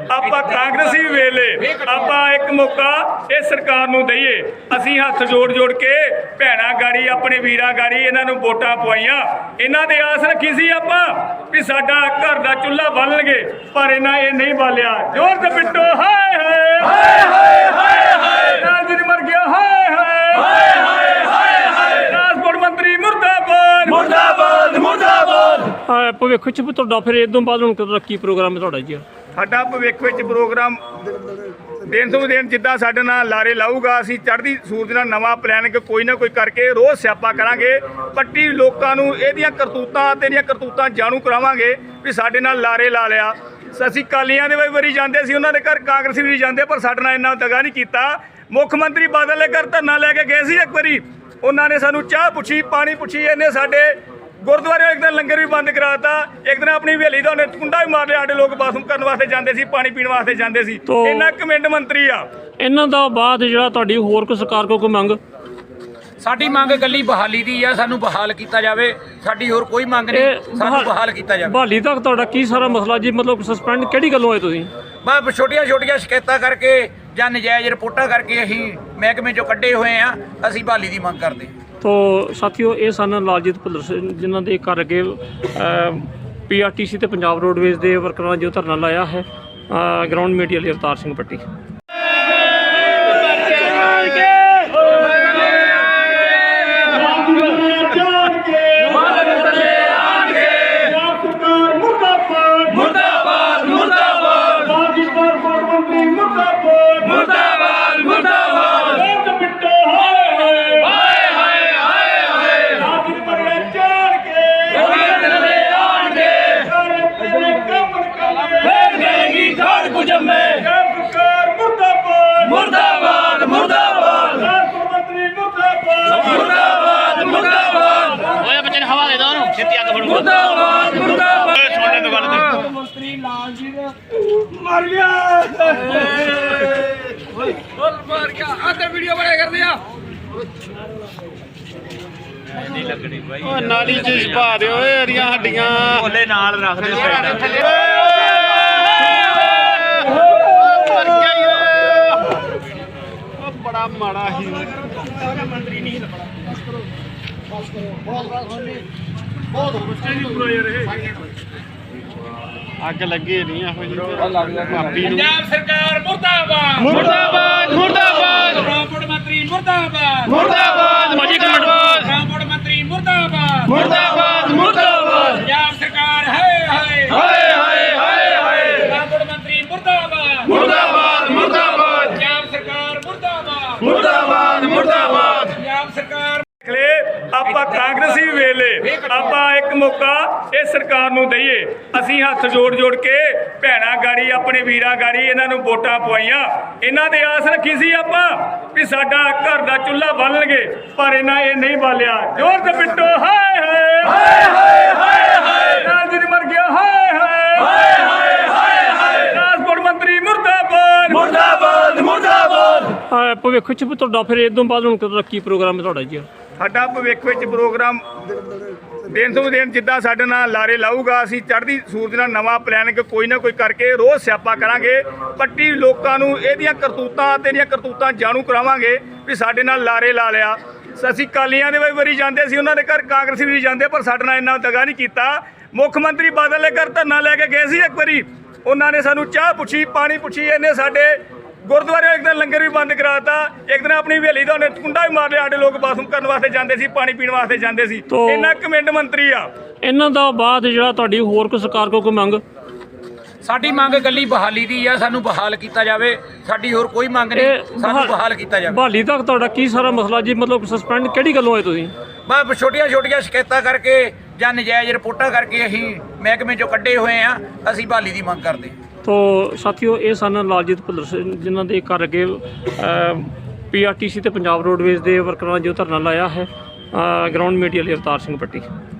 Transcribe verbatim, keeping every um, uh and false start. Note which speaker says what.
Speaker 1: ਆਪਾਂ ਕਾਂਗਰਸੀ ਵੇਲੇ ਆਪਾਂ ਇੱਕ ਮੌਕਾ ਇਹ ਸਰਕਾਰ ਨੂੰ ਦਈਏ। ਅਸੀਂ ਹੱਥ ਜੋੜ ਜੋੜ ਕੇ ਭੈਣਾਂ ਗਾੜੀ ਆਪਣੇ ਵੀਰਾਂ ਗਾੜੀ ਇਹਨਾਂ ਨੂੰ ਵੋਟਾਂ ਪਵਾਈਆਂ, ਇਹਨਾਂ ਦੇ ਆਸ ਰੱਖੀ ਸੀ ਆਪਾਂ ਵੀ ਸਾਡਾ ਘਰ ਦਾ ਚੁੱਲ੍ਹਾ ਬਾਲਣਗੇ, ਪਰ ਇਹਨਾਂ ਇਹ ਨਹੀਂ ਬਾਲਿਆ। ਜ਼ੋਰ ਤੇ ਪਿੱਟੋ ਹਾਏ ਹਾਏ ਹਾਏ ਹਾਏ ਹਾਏ ਹਾਏ ਰਾਜਨ ਮਰ ਗਿਆ ਹਾਏ ਹਾਏ ਹਾਏ ਹਾਏ ਹਾਏ ਹਾਏ ਟਰਾਂਸਪੋਰਟ ਮੰਤਰੀ ਮੁਰਦਾਬਾਦ ਮੁਰਦਾਬਾਦ ਮੁਰਦਾਬਾਦ।
Speaker 2: ਭਵਿੱਖ ਚ ਤੁਹਾਡਾ ਫਿਰ ਇਹ ਤੋਂ ਬਾਅਦ ਹੁਣ ਕਦੋਂ ਕੀ ਪ੍ਰੋਗਰਾਮ ਹੈ ਤੁਹਾਡਾ ਜੀ?
Speaker 1: ਸਾਡਾ ਭਵਿੱਖ ਵਿੱਚ ਪ੍ਰੋਗਰਾਮ ਦਿਨ ਤੋਂ ਦਿਨ ਜਿੱਦਾਂ ਸਾਡੇ ਨਾਲ ਲਾਰੇ ਲਾਊਗਾ, ਅਸੀਂ ਚੜ੍ਹਦੀ ਸੂਰਜ ਨਾਲ ਨਵਾਂ ਪਲਾਨ ਕਿ ਕੋਈ ਨਾ ਕੋਈ ਕਰਕੇ ਰੋਜ਼ ਸਿਆਪਾ ਕਰਾਂਗੇ। ਪੱਟੀ ਲੋਕਾਂ ਨੂੰ ਇਹਦੀਆਂ ਕਰਤੂਤਾਂ ਤੇ ਇਹਦੀਆਂ ਕਰਤੂਤਾਂ ਜਾਣੂ ਕਰਾਵਾਂਗੇ ਵੀ ਸਾਡੇ ਨਾਲ ਲਾਰੇ ਲਾ ਲਿਆ। ਅਸੀਂ ਕਾਲੀਆਂ ਦੇ ਵਾਰੀ ਜਾਂਦੇ ਸੀ, ਉਹਨਾਂ ਦੇ ਘਰ ਕਾਂਗਰਸੀ ਵੀ ਜਾਂਦੇ, ਪਰ ਸਾਡੇ ਨਾਲ ਇੰਨਾ ਦਗਾ ਨਹੀਂ ਕੀਤਾ। ਮੁੱਖ ਮੰਤਰੀ ਬਾਦਲ ਦੇ ਘਰ ਧਰਨਾ ਲੈ ਕੇ ਗਏ ਸੀ ਇੱਕ ਵਾਰੀ, ਉਹਨਾਂ ਨੇ ਸਾਨੂੰ ਚਾਹ ਪੁੱਛੀ, ਪਾਣੀ ਪੁੱਛੀ, ਇਹਨੇ ਸਾਡੇ ਗੁਰਦੁਆਰੇ ਇੱਕ ਦਿਨ ਲੰਗਰ ਵੀ ਬੰਦ ਕਰਾਤਾ। ਇੱਕ ਦਿਨ ਆਪਣੀ ਹਵੇਲੀ ਦਾ ਉਹਨੇ ਕੁੰਡਾ ਵੀ ਮਾਰ ਲਿਆ। ਸਾਡੇ ਲੋਕ ਬਾਥਰੂਮ ਕਰਨ ਵਾਸਤੇ ਜਾਂਦੇ ਸੀ, ਪਾਣੀ ਪੀਣ ਵਾਸਤੇ ਜਾਂਦੇ ਸੀ। ਇੰਨਾ ਕਮੈਂਟ ਮੰਤਰੀ ਆ।
Speaker 2: ਇਹਨਾਂ ਦਾ ਬਾਅਦ ਜਿਹੜਾ ਤੁਹਾਡੀ ਹੋਰ ਕੋਈ ਸਰਕਾਰ ਕੋਲ ਕੋਈ ਮੰਗ?
Speaker 3: ਸਾਡੀ ਮੰਗ ਇਕੱਲੀ ਬਹਾਲੀ ਦੀ ਆ, ਸਾਨੂੰ ਬਹਾਲ ਕੀਤਾ ਜਾਵੇ। ਸਾਡੀ ਹੋਰ ਕੋਈ ਮੰਗ ਨਹੀਂ, ਸਾਨੂੰ ਬਹਾਲ ਕੀਤਾ ਜਾਵੇ।
Speaker 2: ਬਹਾਲੀ ਤੱਕ ਤੁਹਾਡਾ ਕੀ ਸਾਰਾ ਮਸਲਾ ਜੀ? ਮਤਲਬ ਸਸਪੈਂਡ ਕਿਹੜੀ ਗੱਲੋਂ ਹੋਏ ਤੁਸੀਂ?
Speaker 3: ਬਸ ਛੋਟੀਆਂ ਛੋਟੀਆਂ ਸ਼ਿਕਾਇਤਾਂ ਕਰਕੇ ਜਾਂ ਨਜਾਇਜ਼ ਰਿਪੋਰਟਾਂ ਕਰਕੇ ਅਸੀਂ ਮਹਿਕਮੇ ਚੋਂ ਕੱਢੇ ਹੋਏ ਆ। ਅਸੀਂ ਬਹਾਲੀ ਦੀ ਮੰਗ ਕਰਦੇ।
Speaker 2: ਤੋ ਸਾਥੀਓ, ਇਹ ਸਨ ਲਾਲਜੀਤ ਭੁੱਲਰ ਸਿੰਘ, ਜਿਨ੍ਹਾਂ ਦੇ ਘਰ ਅੱਗੇ ਪੀ ਆਰ ਟੀ ਸੀ ਤੇ ਪੰਜਾਬ ਰੋਡਵੇਜ਼ ਦੇ ਵਰਕਰਾਂ ਨੇ ਜੋ ਧਰਨਾ ਲਾਇਆ ਹੈ। ਗਰਾਊਂਡ ਮੀਡੀਆ ਲਈ ਅਵਤਾਰ ਸਿੰਘ ਪੱਟੀ।
Speaker 4: ਮੰਤਰੀ ਲਾਲਜੀਤ ਮਰ ਗਿਆ, ਮਰ ਗਿਆ। ਆਹ ਵੀਡੀਓ ਬਣਾ ਕਰਦੇ ਆ, ਨਹੀਂ ਲੱਗਣੀ ਬਾਈ। ਉਹ ਨਾਲੀ ਚ ਛਪਾ ਦਿਓ ਓਏ ਅਰੀਆਂ ਹੱਡੀਆਂ, ਭੋਲੇ ਨਾਲ ਰੱਖ ਦਿਓ ਸਾਈਡ ਤੇ। ਮਰ ਗਿਆ ਉਹ ਬੜਾ ਮਾੜਾ ਹੀ ਮੰਤਰੀ ਨਹੀਂ ਲੱਗਣਾ। ਬਸ ਕਰੋ, ਬਹੁਤ ਬਹੁਤ ਬੱਚੇ ਨਹੀਂ ਪੂਰਾ ਯਾਰ। ਇਹ ਅੱਗ ਲੱਗੀ ਨਹੀਂ ਇਹੋ ਜਿਹੀ ਪੰਜਾਬ ਸਰਕਾਰ ਮੁਰਦਾਬਾਦ ਮੁਰਦਾਬਾਦ ਮੁਰਦਾਬਾਦ। ਟਰਾਂਸਪੋਰਟ ਮੰਤਰੀ ਮੁਰਦਾਬਾਦ ਮੁਰਦਾਬਾਦ ਟਰਾਂਸਪੋਰਟ ਮੰਤਰੀ ਮੁਰਦਾਬਾਦ ਮੁਰਦਾਬਾਦ ਮੁਰਦਾਬਾਦ। ਪੰਜਾਬ ਸਰਕਾਰ ਹਾਏ ਹਾਏ ਹਾਏ ਹਾਏ ਹਾਏ ਹਾਏ ਟਰਾਂਸਪੋਰਟ ਮੰਤਰੀ ਮੁਰਦਾਬਾਦ ਮੁਰਦਾਬਾਦ ਮੁਰਦਾਬਾਦ। ਪੰਜਾਬ ਸਰਕਾਰ ਮੁਰਦਾਬਾਦ ਮੁਰਦਾਬਾਦ ਮੁਰਦਾਬਾਦ। ਪੰਜਾਬ ਸਰਕਾਰ
Speaker 1: ਆਪਾਂ ਕਾਂਗਰਸੀ ਵੇਲੇ ਆਪਾਂ ਇੱਕ ਮੌਕਾ ਇਹ ਸਰਕਾਰ ਨੂੰ ਦਈਏ। ਅਸੀਂ ਹੱਥ ਜੋੜ ਜੋੜ ਕੇ ਭੈਣਾਂ ਗਾੜੀ ਆਪਣੇ ਵੀਰਾਂ ਗਾੜੀ ਇਹਨਾਂ ਨੂੰ ਵੋਟਾਂ ਪਵਾਈਆਂ, ਇਹਨਾਂ ਦੇ ਆਸ ਰੱਖੀ ਸੀ ਆਪਾਂ ਵੀ ਸਾਡਾ ਘਰ ਦਾ ਚੁੱਲ੍ਹਾ ਬਾਲਣਗੇ, ਪਰ ਇਹਨਾਂ ਇਹ ਨਹੀਂ ਬਾਲਿਆ। ਜ਼ੋਰ ਤੇ ਪਿੱਟੋ ਹਾਏ ਹਾਏ ਹਾਏ ਹਾਏ ਹਾਏ ਹਾਏ ਰਾਜਨ ਮਰ ਗਿਆ ਹਾਏ ਹਾਏ ਹਾਏ ਹਾਏ ਹਾਏ ਹਾਏ ਟਰਾਂਸਪੋਰਟ ਮੰਤਰੀ ਮੁਰਦਾਬਾਦ ਮੁਰਦਾਬਾਦ ਮੁਰਦਾਬਾਦ।
Speaker 2: ਭਵਿੱਖ ਚ ਤੁਹਾਡਾ ਫਿਰ ਇਹ ਤੋਂ ਬਾਅਦ ਹੁਣ ਕਦੋਂ ਕੀ ਪ੍ਰੋਗਰਾਮ ਹੈ ਤੁਹਾਡਾ ਜੀ?
Speaker 1: ਸਾਡਾ ਭਵਿੱਖ ਵਿੱਚ ਪ੍ਰੋਗਰਾਮ ਦਿਨ ਤੋਂ ਦਿਨ ਜਿੱਦਾਂ ਸਾਡੇ ਨਾਲ ਲਾਰੇ ਲਾਊਗਾ, ਅਸੀਂ ਚੜ੍ਹਦੀ ਸੂਰਜ ਨਾਲ ਨਵਾਂ ਪਲਾਨ ਕਿ ਕੋਈ ਨਾ ਕੋਈ ਕਰਕੇ ਰੋਜ਼ ਸਿਆਪਾ ਕਰਾਂਗੇ। ਪੱਟੀ ਲੋਕਾਂ ਨੂੰ ਇਹਦੀਆਂ ਕਰਤੂਤਾਂ ਤੇ ਇਹਦੀਆਂ ਕਰਤੂਤਾਂ ਜਾਣੂ ਕਰਾਵਾਂਗੇ ਵੀ ਸਾਡੇ ਨਾਲ ਲਾਰੇ ਲਾ ਲਿਆ। ਅਸੀਂ ਕਾਲੀਆਂ ਦੇ ਵਾਰੀ ਜਾਂਦੇ ਸੀ, ਉਹਨਾਂ ਦੇ ਘਰ ਕਾਂਗਰਸੀ ਵੀ ਜਾਂਦੇ, ਪਰ ਸਾਡੇ ਨਾਲ ਇੰਨਾ ਦਗਾ ਨਹੀਂ ਕੀਤਾ। ਮੁੱਖ ਮੰਤਰੀ ਬਾਦਲ ਦੇ ਘਰ ਧਰਨਾ ਲੈ ਕੇ ਗਏ ਸੀ ਇੱਕ ਵਾਰੀ, ਉਹਨਾਂ ਨੇ ਸਾਨੂੰ ਚਾਹ ਪੁੱਛੀ, ਪਾਣੀ ਪੁੱਛੀ, ਇਹਨੇ ਸਾਡੇ ਗੁਰਦੁਆਰੇ ਇੱਕ ਦਿਨ ਲੰਗਰ ਵੀ ਬੰਦ ਕਰਾਤਾ। ਇੱਕ ਦਿਨ ਆਪਣੀ ਹਵੇਲੀ ਦਾ ਉਹਨੇ ਕੁੰਡਾ ਵੀ ਮਾਰ ਲਿਆ। ਸਾਡੇ ਲੋਕ ਬਾਥਰੂਮ ਕਰਨ ਵਾਸਤੇ ਜਾਂਦੇ ਸੀ, ਪਾਣੀ ਪੀਣ ਵਾਸਤੇ ਜਾਂਦੇ ਸੀ। ਇੰਨਾ ਕਮੈਂਟ ਮੰਤਰੀ ਆ।
Speaker 2: ਇਹਨਾਂ ਦਾ ਬਾਅਦ ਜਿਹੜਾ ਤੁਹਾਡੀ ਹੋਰ ਕੋਈ ਸਰਕਾਰ ਕੋਲ ਕੋਈ ਮੰਗ?
Speaker 3: ਸਾਡੀ ਮੰਗ ਇਕੱਲੀ ਬਹਾਲੀ ਦੀ ਆ, ਸਾਨੂੰ ਬਹਾਲ ਕੀਤਾ ਜਾਵੇ। ਸਾਡੀ ਹੋਰ ਕੋਈ ਮੰਗ ਨਹੀਂ, ਸਾਨੂੰ ਬਹਾਲ ਕੀਤਾ ਜਾਵੇ।
Speaker 2: ਬਹਾਲੀ ਤੱਕ ਤੁਹਾਡਾ ਕੀ ਸਾਰਾ ਮਸਲਾ ਜੀ? ਮਤਲਬ ਸਸਪੈਂਡ ਕਿਹੜੀ ਗੱਲੋਂ ਹੋਏ ਤੁਸੀਂ?
Speaker 3: ਬਸ ਛੋਟੀਆਂ ਛੋਟੀਆਂ ਸ਼ਿਕਾਇਤਾਂ ਕਰਕੇ ਜਾਂ ਨਜਾਇਜ਼ ਰਿਪੋਰਟਾਂ ਕਰਕੇ ਅਸੀਂ ਮਹਿਕਮੇ ਚੋਂ ਕੱਢੇ ਹੋਏ ਆ। ਅਸੀਂ ਬਹਾਲੀ ਦੀ ਮੰਗ ਕਰਦੇ। ਤੋ
Speaker 2: ਸਾਥੀਓ, ਇਹ ਸਨ ਲਾਲਜੀਤ ਭੁੱਲਰ ਸਿੰਘ, ਜਿਨ੍ਹਾਂ ਦੇ ਘਰ ਅੱਗੇ ਪੀ ਆਰ ਟੀ ਸੀ ਤੇ ਪੰਜਾਬ ਰੋਡਵੇਜ਼ ਦੇ ਵਰਕਰਾਂ ਨੇ ਜੋ ਧਰਨਾ ਲਾਇਆ ਹੈ। ਗਰਾਊਂਡ ਮੀਡੀਆ ਲਈ ਅਵਤਾਰ ਸਿੰਘ ਪੱਟੀ।